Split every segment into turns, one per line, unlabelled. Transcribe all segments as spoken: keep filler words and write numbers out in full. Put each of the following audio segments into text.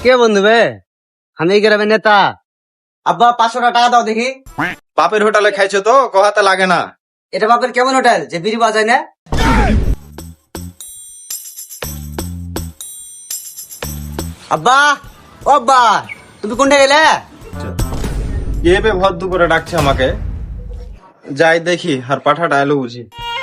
কে বন্ধু বে? আমি এই গ্রামের নেতা। আব্বা পাঁচশো টাকা দাও দেখি।
বাপের হোটেলে খাইছো তো কহাতে লাগে না।
এটা বাপের কেমন হোটেল যে বিড়ি বাজায় না? আব্বা ও আব্বা, তুমি কোনটা গেলে?
কে বে ভর দুপুরে ডাকছে আমাকে? যাই দেখি আর পাঠাটা এলো বুঝি।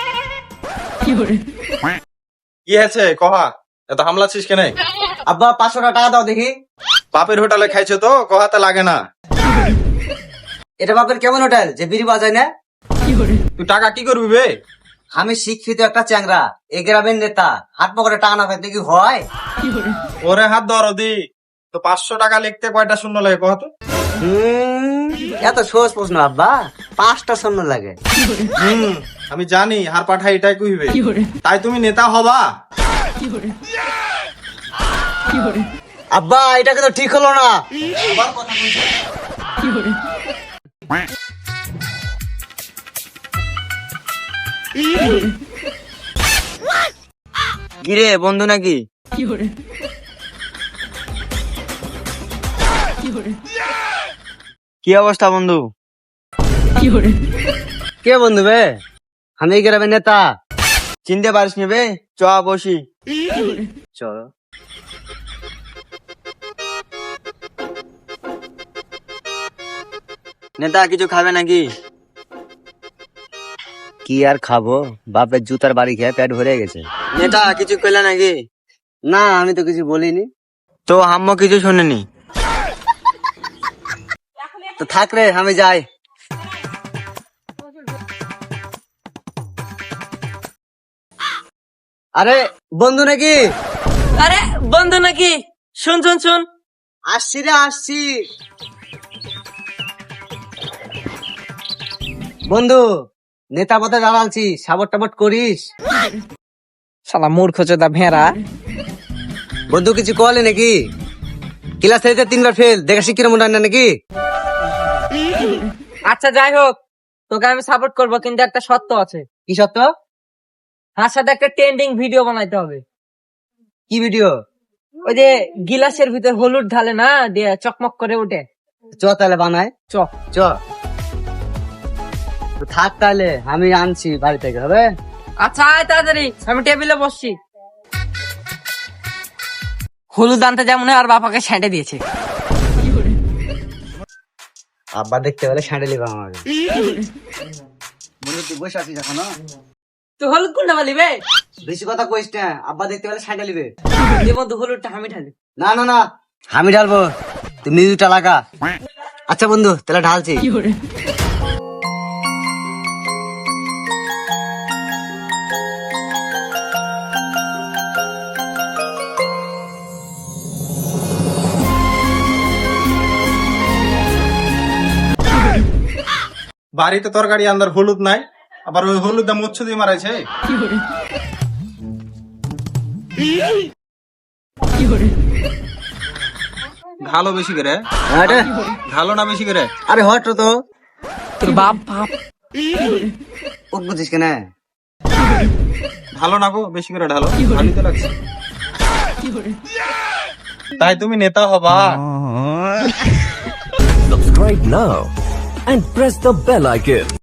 কি হয়েছে কহা, এত হামলাছিস কেন?
আব্বা পাঁচশো টাকা দাও দেখি।
বাপের হোটেলে খাইছো তো কহাতে লাগে না।
এটা বাপের কেমন হোটেল যে বিড়ি বাজায় না?
তুই টাকা কি করবি বে?
আমি শিক্ষিত একটা চ্যাংরা, এই গ্রামের নেতা। হাত পকেটে টাকা না পাইতে কি হয়?
ওরে হাত ধর দি তো পাঁচশো টাকা লিখতে কয়টা শূন্য লাগে কহ তো?
হুম, এত সহজ প্রশ্ন আব্বা, পাঁচটা শূন্য লাগে।
হুম আমি জানি হার পাঠা এটাই কইবে, তাই তুমি নেতা হবা?
আব্বা এটা কিন্তু ঠিক হলো না। কিরে বন্ধু নাকি? কি অবস্থা বন্ধু? কে বন্ধু বে? আমি এই গ্রামের নেতা। চিনতে পারিস নি বে? চ বসি। চল। নেতা কিছু খাবে নাকি? কি আর খাবো, বাপের জুতার বাড়ি খেয়ে পেট ভরে গেছে। নেতা কিছু পেলে নাকি? না আমি তো কিছু বলিনি। তো আম্মু কিছু শোনেনি? তো থাক রে, আমি যাই। আরে বন্ধু নাকি?
আরে বন্ধু নাকি? শুন শুন শুন,
আসছি রে আসছি। বন্ধু নেতা পথে দাঁড়ালছি, সাবট টাবট করিস।
শালা মূর্খ চোদা ভেড়া।
বন্ধু কিছু কলে নাকি? ক্লাস থেকে তিনবার ফেল, দেখা শিক্ষির মনে হয় না নাকি?
আচ্ছা যাই হোক, তোকে আমি সাপোর্ট করবো, কিন্তু একটা শর্ত আছে।
কি সত্য?
তার সাথে একটা ট্রেন্ডিং ভিডিও বানাইতে হবে।
কি ভিডিও?
ওই যে গিলাসের ভিতর হলুদ ঢালে না, দিয়ে চকমক করে ওঠে।
চ তাহলে বানায়।
চ
চ তো থাক তাহলে, আমি আনছি বাড়ি থেকে, হবে?
আচ্ছা আয় তাড়াতাড়ি, আমি টেবিলে বসছি। হলুদ আনতে যেমন আর বাপাকে সেঁটে দিয়েছে।
আব্বা দেখতে পেলে স্যান্ডেলি পাবো আমাকে। বন্ধু তুই বসে আছিস এখনো?
তুই হলুদ কোনটা বলিবে?
বেশি কথা কইস না, আব্বা দেখতে পেলে স্যান্ডেলিবে।
যে বন্ধু হলুদটা আমি ঢালি।
না না না, আমি ঢালবো, তুই মিউজিকটা লাগা। আচ্ছা বন্ধু তাহলে ঢালছি।
বাড়িতে তরকারি আন্দার হলুদ নাই, আবার ওই হলুদ দাম উচ্ছ দিয়ে মারাইছে। ঢালো বেশি করে,
আরে
ঢালো না বেশি করে।
আরে হট তো,
তোর বাপ বাপ
ও বুঝিস কেন?
ঢালো না গো, বেশি করে ঢালো, ভালোই তো লাগছে। তাই তুমি নেতা হবা?
Subscribe now and press the bell icon.